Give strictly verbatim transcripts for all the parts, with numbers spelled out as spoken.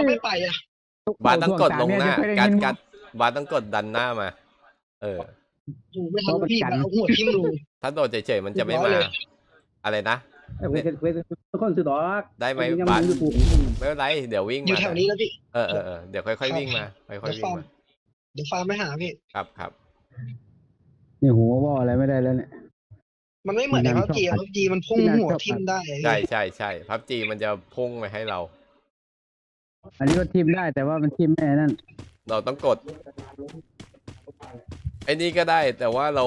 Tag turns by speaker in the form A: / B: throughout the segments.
A: เขาไม่ไปอ่ะ
B: บาสต้องกดลงหน้ากัดกัดบาสต้องกดดันหน้ามาเออ
A: ไม่ทันพี่เอาหัวทิ่มรู
B: ถ้าโดดเฉยๆมันจะไม่มาอะไรนะ
C: คนสุดดอก
B: ได้ไหมบาสไม่เป็นไรเดี๋ยววิ่งมา
A: อยู่แถวนี้แล้วพี่
B: เออเออเดี๋ยวค่อยๆวิ่งมาค่อยๆวิ่งมา
A: เดี๋ยวฟาร์มไม่หาพี่
B: ครับครับ
C: นี่หัวว่าอะไรไม่ได้แล้วเนี่ย
A: มันไม่เหมือนในพับจีพับจีมันพุ่งหัวทิ่มได้
B: ใช่ใช่ใช่พับจีมันจะพุ่งไปให้เรา
C: อันนี้ก็ทิ่มได้แต่ว่ามันทิ่มแม่นั่น
B: เราต้องกดไอ้นี่ก็ได้แต่ว่าเรา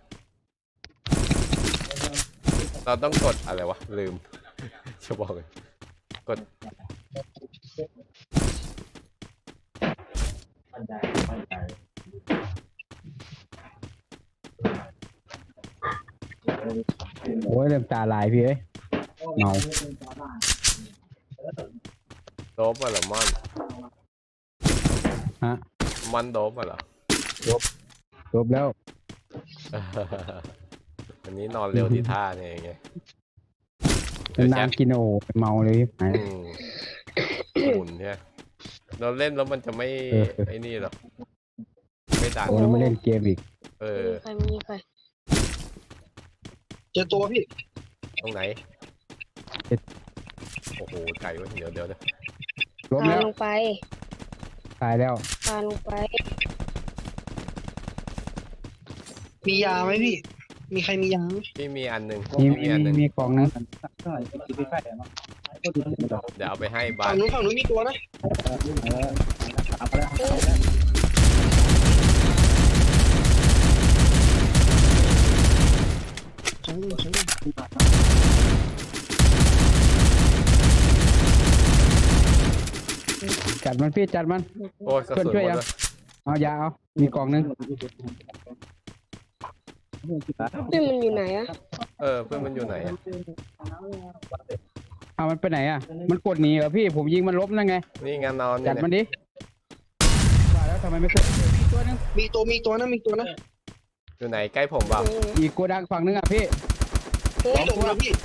B: เราต้องกดอะไรวะลืมจะบอกเลยกด
C: โอ้ยเริ่มตาลายพี่เอ้ยเมา
B: โดบมาเหรอมอน
C: ฮะ
B: มอนโดบมาเหรอ
C: โดบโดบแล้ว
B: วันนี้นอนเร็วที่ท่าเนี่ยไง
C: นานกินโอ้เมาเลยห
B: มุนใช่เราเล่นแล้วมันจะไม่ไอ้นี่หรอกไม่ดัง
C: เราไม่เล่นเกมอีก
B: เออ
D: ใครมีใคร
A: เจอตัวพี่
B: ตรงไหนโอ้โหไก่วะเดี๋ยวเดี๋ยวเดี๋ยว
C: ล้มแล้ว
D: ลงไป
C: ตายแล้ว
D: พาลงไป
A: มียาไหมพี่มีใครมียา
B: พี่มีอันหนึ่ง
C: มีมีอันหนึ่งมีกล่องนึง
B: เดี๋ยวเอาไปให้บ้าน
A: ฝั่งนู้นฝั่งนู้นมีตัวนะ
C: จัดมันพี่จัดมัน
B: โอ้ย
C: ช่วยช่วยยังเอายาเอามีกล่องนึง
D: เพื่อนมันอยู่ไหนอะ
B: เออเพื่อนมันอยู่ไหนอะ
C: เอามันไปไหนอะมันกดหนีเหรอพี่ผมยิงมันล้มนั่นไง
B: นี่งานนอน
C: จัดมันดิว่าแล้วทำไมไม่ขึ้นมีตัวนึง
A: มีตัวมีตัวนะมีตัวนะ
B: อยู่ไหนใกล้ผมบ้าง
C: อีกโกดังฝั่งนึงอ่ะพี่
A: ไม่ลงแล้วพี่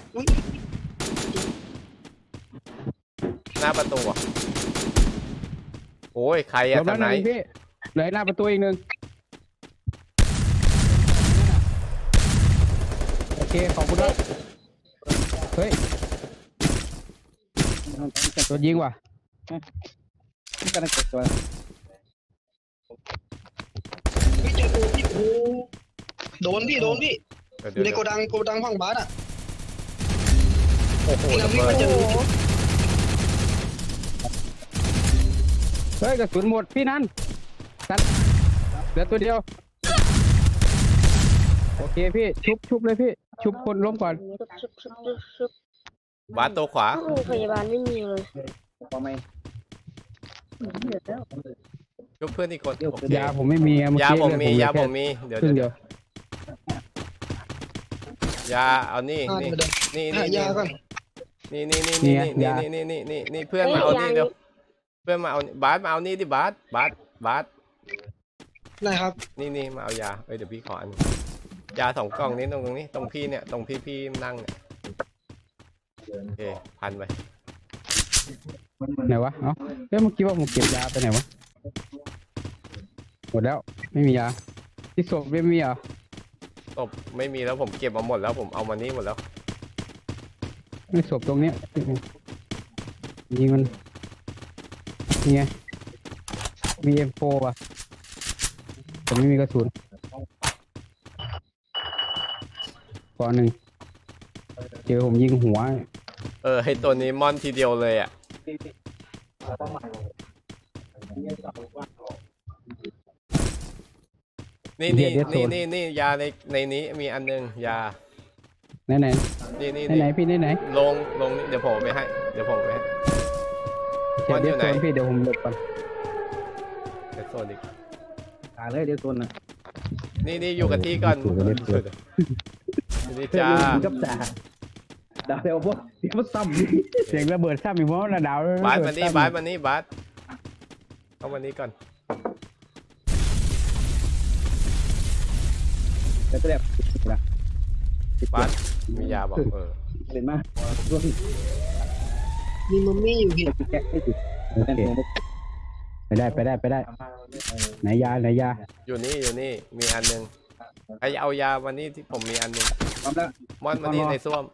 B: หน้าประตูอ่ะโอ้ยใครอะทางไหน
C: พี่เหลือหน้าประตูอีกหนึ่งโอเคขอบคุณด้วยเฮ้ยตัวยิงว่ะกำลังเก็บตัว
A: พี่เจอตัวพี่โอ้โดนพี่โดนพี่อยู่ในโกดังโกดังฝั่งบาสอ่ะ
B: โอ้โหระเบิด
C: เฮ้ยกระสุนหมดพี่นั่นตัดเหลือตัวเดียวโอเคพี่ชุบชุบเลยพี่ชุบคนล้มก่อน
D: ชุบชุบชุบชุ
B: บบาสตัวขวา
D: โรงพยาบาลไม่มีเลย
B: ชุบเพื่อนอีกคน
C: ยาผมไม่มี
B: ยาผมมียาผมมีเดี๋ยวเดี๋ยวยาเอานี่นี่นี่นี่
A: ยาก่อน
B: นี่นี่นี่นี่นี่นี่นี่นี่นี่เพื่อนมาเอานี่เดี๋ยวเพื่อนมาเอาบาสมาเอานี่ดิบาสบาสบาส
A: ได้ครับ
B: นี่นี่มาเอายาเอ้ยเดี๋ยวพี่ขออันยาสองกล่องนี้ตรงตรงนี้ตรงพี่เนี่ยตรงพี่พี่นั่งเนี่ยโอเคพันไป
C: ไหนวะเอ้าเฮ้ยเมื่อกี้ว่าผมเก็บยาไปไหนวะหมดแล้วไม่มียาที่ศพไม่มีอ่ะ
B: ศพไม่มีแล้วผมเก็บมาหมดแล้วผมเอามานี่หมดแล้ว
C: ไม่ศพตรงเนี้ยยิงมันนี่ไงมี เอ็ม โฟร์ อ่ะแต่ไม่มีกระสุนก่อนหนึ่งเจอผมยิงหัว
B: เออให้ตัวนี้มอนทีเดียวเลยอ่ะนี่นี่นี่นี่นี่ยาในในนี้มีอันนึงยา
C: ไหนไหน
B: นี่นี่
C: ไหนพี่ไหนไหน
B: ลงลงเดี๋ยวผมไปให้เดี๋ยวผมไปให้
C: มอนอยู่ไหนพี่เดี๋ยวผมหลบก่อน
B: เดี๋ยวโซนอีก
C: ตาเลยเดี๋ยวโซนนะ
B: นี่นี่อยู่กับที่ก่อนนี่จ้า
C: กับจ่าดาวเดียวพวกเสียงซ้ำเสียงระเบิดซ้ำอีกมั้งนะดาว
B: บาสมานี่บาสมานี่บาสเข้ามานี่ก่อน
C: แล้วก็แบบ
B: บาสมียาบอกเออ
C: เห็นไหม
A: มีมัมมี่อยู่พี่
C: แกะให้ดิโอเคไปได้ไปได้ไปได้ไหนยาไหนยา
B: อยู่นี่อยู่นี่มีอันหนึงใครเอายาวันนี้ที่ผมมีอันหนึง
C: พร้อมแล้ว
B: มอนมานี่ในส้วม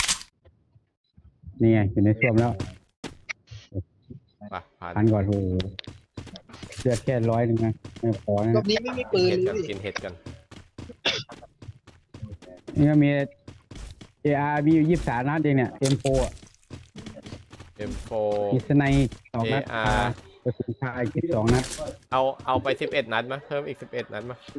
C: นี่ไงอยู่ในส้วมแล้ว
B: ไปผ่าน
C: พันก่อนโอ้โหเลือดแค่ร้อยหนึ่งนะไม่พอ
A: รอ
C: นะ
A: บนี้ไม่มีปืน
B: เห็ด
A: เล
B: กัน
A: ย
B: กินเห็ดกัน
C: นี่ก็มี เอ อาร์ มีอยู่ยี่สิบสามนัดเองเนี่ย เอ็ม โฟร์
B: เอ็ม โฟ
C: มีสไนด์สองนัด
B: เอ อาร์
C: กระสุนคาอีกสองนัด
B: เอาเอาไปสิบเอ็ดนัดมั้ยเพิ่มอีกสิบเอ็ดนัดมั้ย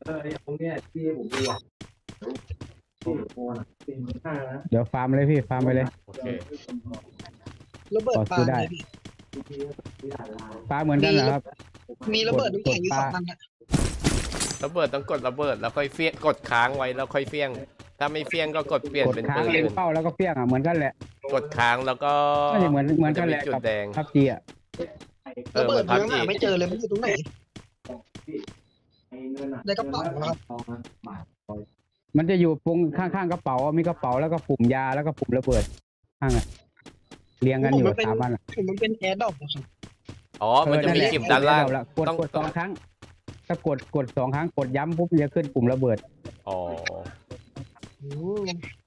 C: เดี๋ยวฟาร์มเลยพี่ฟาร์มไปเลย
B: โอเค
A: ระเบิดปลา
C: ต่อสู้ได้
A: เลยพี่
C: ฟาร์มเหมือนกันเหรอครับ
A: มีระเบิดน้ำแข็งอยู่สองอันนะ
B: ระเบิดต้องกดระเบิดแล้วค่อยเฟี้ยงกดค้างไว้แล้วค่อยเฟี้ยง ถ้าไม่เฟี้ยงก็กดเปลี่ยน
C: กด
B: เป็น
C: ค้าง
B: ปืน
C: เล็ง
B: อื่น
C: เป้าแล้วก็เปี้ยงอ่ะเหมือนกันแหละ
B: กดค้างแล้วก็
C: น่าจะเหมือนเหมือนกันแหละ
B: จะมีจุ
C: กั
B: ด
C: บ
B: แดง
C: พับจีอ่ะ
B: เอ
A: ระ
B: อ
A: เบิด
B: มัน
A: ยัง
B: พับจี
A: หาไม่เจอเลยมันอยู่ตรงไหนในกระเป๋าครับ
C: มันจะอยู่ตรงข้างๆกระเป๋ามีกระเป๋าแล้วก็ปุ่มยาแล้วก็ปุ่มระเบิดข้างอ่ะเรียงกันอยู่สามอันอ่ะ
A: ผมมันเป็นแอร์ดรอปครับ
B: อ๋อมันจะมี
C: เออ
B: จิบด้านล่าง
C: เอละกด
B: ต้อง
C: กดสองครั้ง ถ้ากดกดสองครั้งกดย้ำปุ๊บจะขึ้นปุ่มระเบิด
B: อ๋อ
A: อืม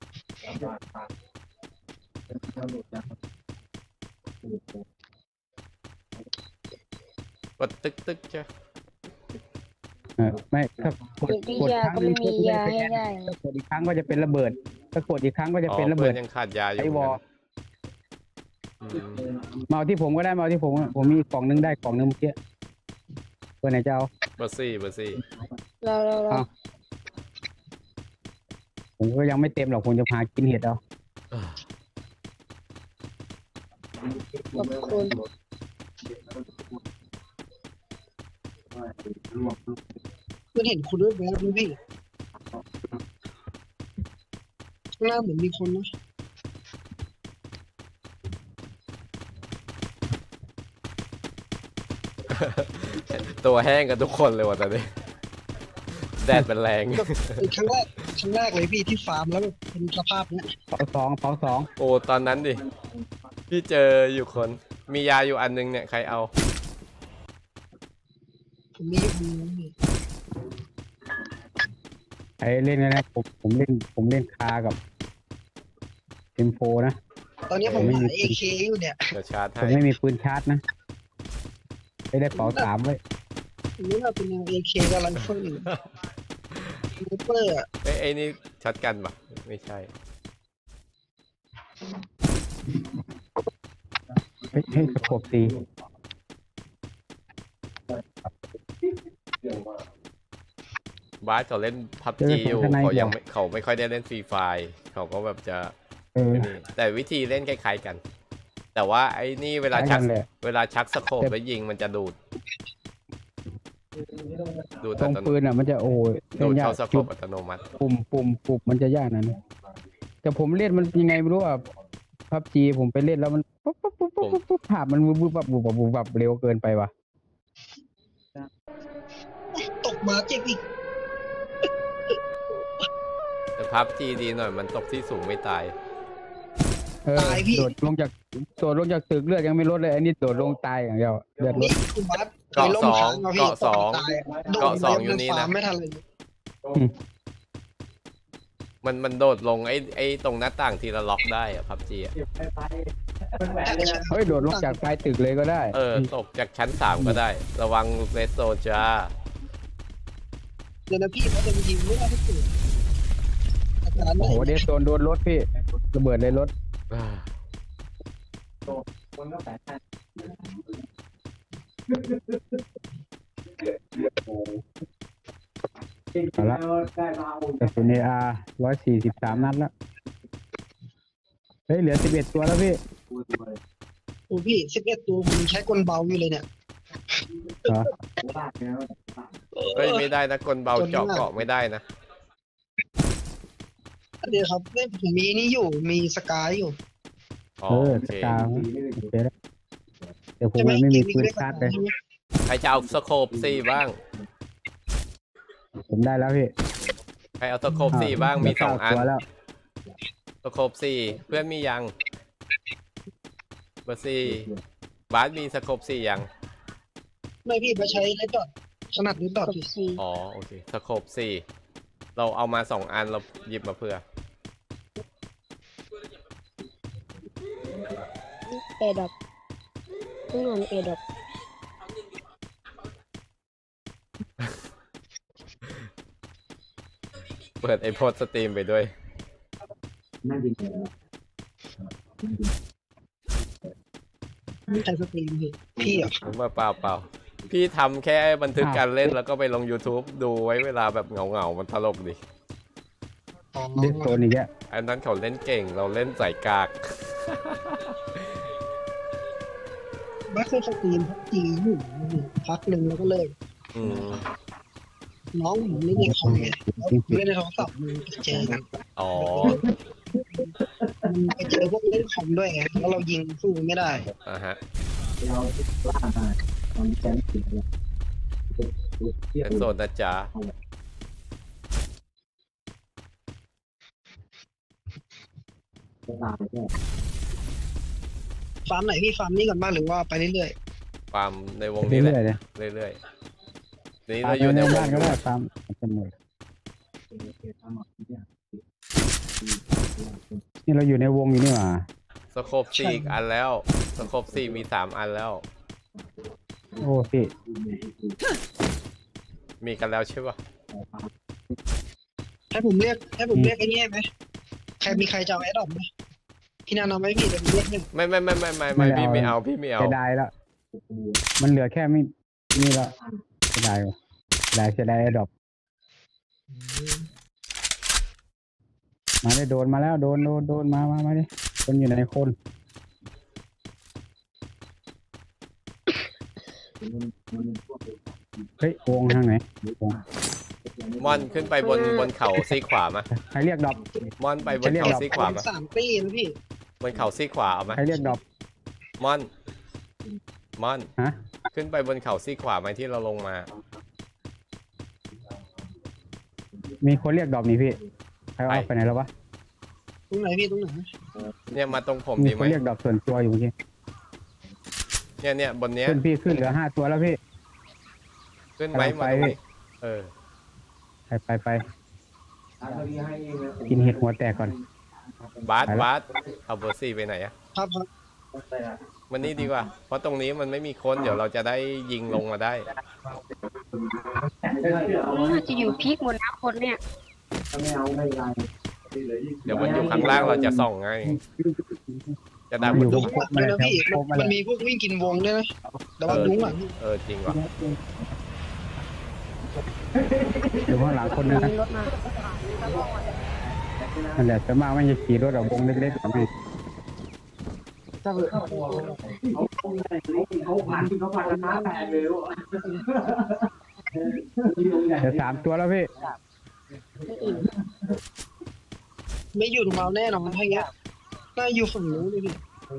B: กดตึกตึกใช่
C: เออไม่ถ้ากด
D: มี
C: กด
D: ยา
C: ครั้ง
D: ก็
C: นึ
D: ไม่
C: ง
D: มี
C: ปุ๊บ
D: ยา
C: ไม่
D: ให้
C: ได้
D: ได้
C: ถ้ากดอีกครั้งก็จะเป็นระเบิด ถ้ากดอีกครั้งก็จะ
B: อ๋อ
C: เป็นระ
B: เพื่
C: เบิ
B: อ
C: ด
B: นยังขาดยาอยู่
C: ไอ้วอ
B: เหมือนกันอืม
C: มาเอาที่ผมก็ได้มาเอาที่ผมอะผมมีกล่องนึงได้กล่องนึงเมื่อกี้เพื่อนไหนจะเอา
B: เบอร์ซี่เบอร์ซี่
D: เราเราเรา
C: ผมก็ยังไม่เต็มหรอกผมจะพากินเห็ดเอา
D: ขอบคุณ
A: เพื่อนเห็นคุณด้วยแวบๆไหมพี่ข้างหน้าเหมือนมีคนนะ
B: ตัวแห้งกันทุกคนเลยว่ะตอนนี้ แดดเป็นแรง
A: เป็นครั้งแรกครั้งแรกเลยพี่ที่ฟาร์มแล้วแบบเป็นสภาพเนี้ย
C: เผาสองเผาสอง
B: โอ้ตอนนั้นดิ พี่เจออยู่คน มียาอยู่อันนึงเนี่ยใครเอา
A: ผมมีคนนึงพี่
C: ไอ้เล่นนะผมผมเล่นผมเล่นคากับเอ็มโฟนะ
A: ตอนนี้ผม
C: ไม่มี
A: หาเอเคอยู่เนี่ย
B: เดี๋ยวชาร์จ
C: ผม
B: ให้
C: ไม่มีปืนชาร์จนะไม่ได้เป๋าสามไว้
A: ผมรู้ว่าเป็นเอเคกับไรเฟิลไรเฟิลอะ
B: เอ้ยไอ้นี่ช็อตกันปะไม่ใช่
C: เฮ้ยเฮ้ยสะโขบตี
B: บาสเขาเล่นพับจีอยู่เขายังไม่เขาไม่ค่อยได้เล่นฟรีไฟเขาก็แบบจะ
C: เออ
B: นี่แต่วิธีเล่นคล้ายๆกัน แต่ว่าไอ้นี่เวลา
C: ค
B: ชั
C: ล้าก ยกันแหละ
B: เวลาชักสโคปแล้วยิงมันจะดูด ดูด
C: ตร
B: อั
C: ง
B: ตโน
C: ปืนอ่ะมันจะโอ้ย
B: ดูด
C: ยาก
B: เข้าสโค
C: จุ
B: ป
C: ด
B: อัตโนมัติ
C: ปุ่มปุ่มปุ่มมันจะยากนั้นแต่ผมเล่นมันยังไงไม่รู้อ่ะพับจีผมไปเล่นแล้วมันปุ๊บปุ๊บปุ๊บปุ๊บปุ๊บปุ๊บภาพมันวุบวับวุบวับวุบวับเร็วเกินไปว่ะ
A: ตกมาเจ็บอีก
B: แต่พับจีดีหน่อยมันตกที่สูงไม่ตาย
C: เออโดดลงจากโดดลงจากตึกเลือดยังไม่ลดเลยอันนี้โดดลงตายอย่างเดียวเลือดล
A: นี่
C: ด
A: คุณบัส
B: เกาะสอง
A: คยล่มค้
B: เกาะสอง
A: ตายะโดด
B: เกาะสองอยู่นี่นะ
A: ฟาร์มไม่ทันเลย
B: มันมันโดดลงไอ้ไอ้ตรงหน้าต่างทีละล็อกได้อะพับจีอะ
C: เฮ้ยโดดลงจากปลายตึกเลยก็ได้
B: เออตกจากชั้นสามก็ได้ ระวังเรสโซจ้า
A: เดี๋ยวนะพี่เขาจะยิงไม่ได้ที่สุดอาจารย์
C: โอ้โหเดสโซนโดนรถพี่ระเบิดเลยรถ
B: อ่า
C: เอาละกระสุนเออาร์ร้อยสี่สิบสามนัดแล้วเฮ้ยเหลือสิบเอ็ดตัวแล้วพี่
A: โอ้พี่สิบเอ็ดตัวผมใช้กลเบาอยู่เลยเนี่ย
C: เหรอ
B: เฮ้ยไม่ได้นะกลเบาเจาะเกาะไม่ได้นะ
A: เดี๋ยวครับเนี่ยผมมีนี่อยู่มีสกายอยู่
B: อ๋อ
C: เออ
B: โอ
C: ส
B: เค
C: กาวโอเคแล้วเดี๋ยวผม
A: ใช่ไหม
C: ยังไม่มี
A: เก
C: ปืน
A: นี้
C: ชาร์จเลย
A: ใช่ไหม
B: ใครจะเอาสโคปสี่บ้าง
C: ผมได้แล้วพี่
B: ใครเอาสโคปสี่บ้างมีสองอัน
C: ตัวแล้ว
B: สโคปสี่เพื่อนมียังเบอร์สี่บบาสมีสโคปสี่ยัง
A: ไม่พี่ไปใช้เลดดอทถนัดเลดดอท
D: กับ
A: พี่
D: ซี
B: อ๋อโอเคสโคปสี่เราเอามาสองอันเราหยิบมาเพื่อ
D: เอดับต้องนอนเอดับ
B: เปิดไอโพสสตรีมไปด้วย
A: ไม่ใช้สตรีมพี่พี่อ่ะ
B: เปล่าเปล่าเปล่าพี่ทำแค่บันทึกการเล่นแล้วก็ไปลง YouTube ดูไว้เวลาแบบเหงาเงาๆมันตลกดิ
A: อ๋อ
C: เล่นโซนอีกแล้ว
B: อันนั้นเขาเล่นเก่งเราเล่นใส่กาก
A: ไม่เคยสตรีมพักจีอยู่พักหนึ่งแล้วก็เลิก
B: อืม
A: น้องผมเล่นในคอมไงแล้วเล่นในโทรศัพท์มันไปเจอกัน
B: อ๋อ
A: ไปเจอพวกเล่นคอมด้วยไงแล้วเรายิงสู้ไม่ได้
B: อ่ะฮะเป็นโซนนะจ๊ะ
A: ฟาร์มไหนพี่ฟาร์มนี้ก่อนบ้างหรือว่าไปเรื่อย
B: ฟาร์มในวงนี้แห
C: เรื่
B: ละ
C: อยๆเลย
B: เรื่อยๆนี่
C: ตา
B: เรา
C: ม
B: อยู่ใน
C: ใน
B: ว
C: บ้าง นก็ได้ตามเป็นหมดนี่เราอยู่ในวงอยู่นี่หว่า
B: สโคปสี่อีกอันแล้วสโคปสี่มีสามอันแล้ว
C: โอ้พี่
B: มีกันแล้วใช่ปะ
A: ๆให้ผมเรียกให้ผมเรียกไอ้นี่ไหมใครมีใครจะเอาแอดดอปไหมพี่นันเอาไหมพี่เดี๋ยวผมเรียกให้
B: ไม่ไม่ไม่ไม่ไม่ไม่พี่ไม่เอาพี่ไม่เอา
C: เสียดายแล้ว มันเหลือแค่ไม่นี่แล้วเสียดายว่ะเสียดายเสียดายไอ้ดอกมาได้โดนมาแล้วโดนโดนโดนมามามาดิคนอยู่ในคน เฮ้ยวงทางไหนวง
B: มอนขึ้นไปบนบนเขาซีกขวามา
C: ใครเรียกดอก
B: มอนไปบน
C: ใครเรียก
B: เขา
C: ดอก
B: ซีกขวามา
A: สามปีนะพี่
B: บนเขาซีกขวาเอามา
C: ใครเรียกดอก
B: มอนมอน
C: ฮะ
B: ขึ้นไปบนเขาซีกขวาไหมที่เราลงมา
C: มีคนเรียกดอกนี่พี่ใครเอา
B: ไป
C: ไปไหนแล้ววะ
A: ตรงไหนพี่ตรงไหน
B: เนี่ยมาตรงผม
C: มี
B: ดี
C: ค
B: ไหม
C: นเรียกดอกส่วนตัวอยู่เมื่อกี้
B: เนี่ยเนี่ยบนเนี้ย
C: ขึ้นพี่ขึ้นเหลือห้าตัวแล้วพี่
B: ขึ้นไหม
C: กำลังไป
B: มาตรงนี้เออ
C: ไปไปไปกินเห็ดหัวแตกก่อน
B: บาส
C: ไปละ
B: บาสเอาเบอร์สี่ไปไหนอะ
A: ครับครับ
B: มันนี่ดีกว่า เพราะตรงนี้มันไม่มีคนเดี๋ยวเราจะได้ยิงลงมาได้
D: น่าจะอยู่พีคหมดนะคนเนี่ย
B: เดี๋ยวมันอยู่ข้างล่างเราจะส่องไงจะได้
C: มันอยู่
A: ลุงหลังด้วยนะพี่มันมันมีพวกวิ่งกินวงด้วยนะแต่ว่าลุงหลัง
B: เออจริงว่ะ
C: อยู่ข้างหลังคนนึงนะ
D: มีรถมา
C: นั่นแหละจะมากไม่จะขี่รถออกวงเล็กๆกับแม่เดี๋ยวสามตัวแล้วพี่
D: ไม่อิ่ม
A: ไม่อยู่ตรงเราแน่นอนถ้าอย่างเงี้ยน่าอยู่ฝั่งนู้นเลยพี่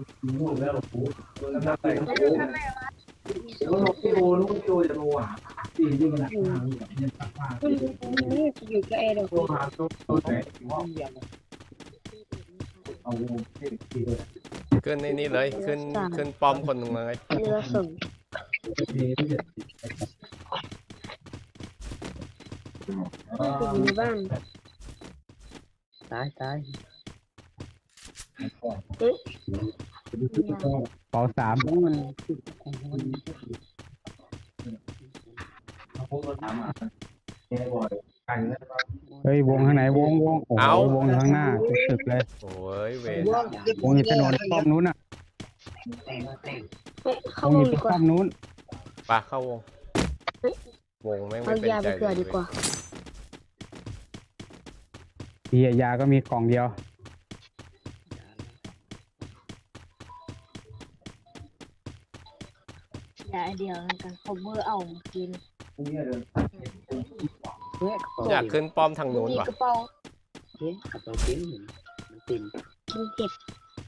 D: นี่จะอยู่กับเอดับ
B: ขึ้นในนี่เลยขึ้นขึ้นป้อมคนหนึ่งเลย
D: เรือส่งอยู่ในบ้าน
C: ตายตาย
D: เอ๊ะ
C: เป่าสามมันเฮ้ยวงข้างไหนวงวงโอ้โหวงอยู่ข้างหน้าตึกเลย
B: โอ้ยเวร
C: วงอยู่ถนนป้อมนู้นอ่ะ
D: เอ๊ะ
C: ว
D: เข้าง ว
C: อง ยู่
D: ดีกว่า
C: ป้อมนู้น
B: ปะเข้าวง วงแม่ง
D: เอา
B: ไม่เป็น
D: ยา
B: ใจ
D: ไปเกิดดีกว่า
C: เฮียยาก็มีกล่องเดียวย
D: าเดียวกันเขาเบอร์เอากิน
B: อยากขึ้นป้อมทางนู้น
D: มี
B: ว่ะ
D: กระเป๋า
C: กระเป๋าปิ้นมันปิ้น
D: กินเก็บ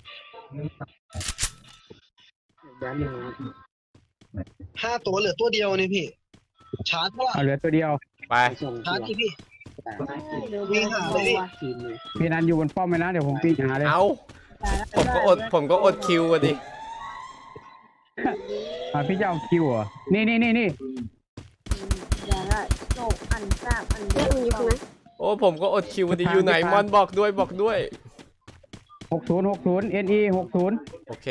C: ด้านนึง
A: ห้าตัวเหลือตัวเดียวนี่พี่ชาร์จเปล่า
C: เอาเหลือตัวเดียว
B: ไป
A: ชาร์จที่พี่
D: เดี๋ยว
A: วิ่งหาเลยพี่
C: พี่นันอยู่บนป้อมไหมนะเดี๋ยวผมปีนหาเลย
B: เอาผมก็อดผมก็อดคิวอะดิ
C: อ่ะพี่จะเอาคิวเหรอนี่นี่นี่นี่
D: เดี๋ยวละโจอันทราบอันเดียวอยู่นะ
B: โอ้ผมก็อดคิวดีอยู่ไหนมอนบอกด้วยบอกด้วย
C: หกศูนย์หกศูนย์เอ็นอีหกศูนย์
B: โอเค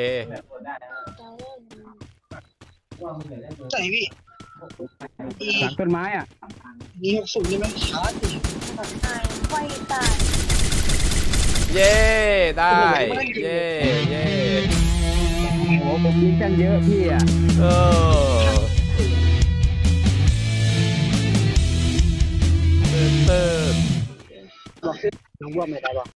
A: ใส่พี่อี
C: หลังต้นไม้อ่ะ
A: มีหกสูงใช่ไหมชาร์จดิ
D: ตายไฟตาย
B: เย้ได้เย้เย้
C: โอ้ผมยิงกันเยอะพี่อ่ะ
B: เออเติร์ด
A: น้องว่าไม่ได้หรอ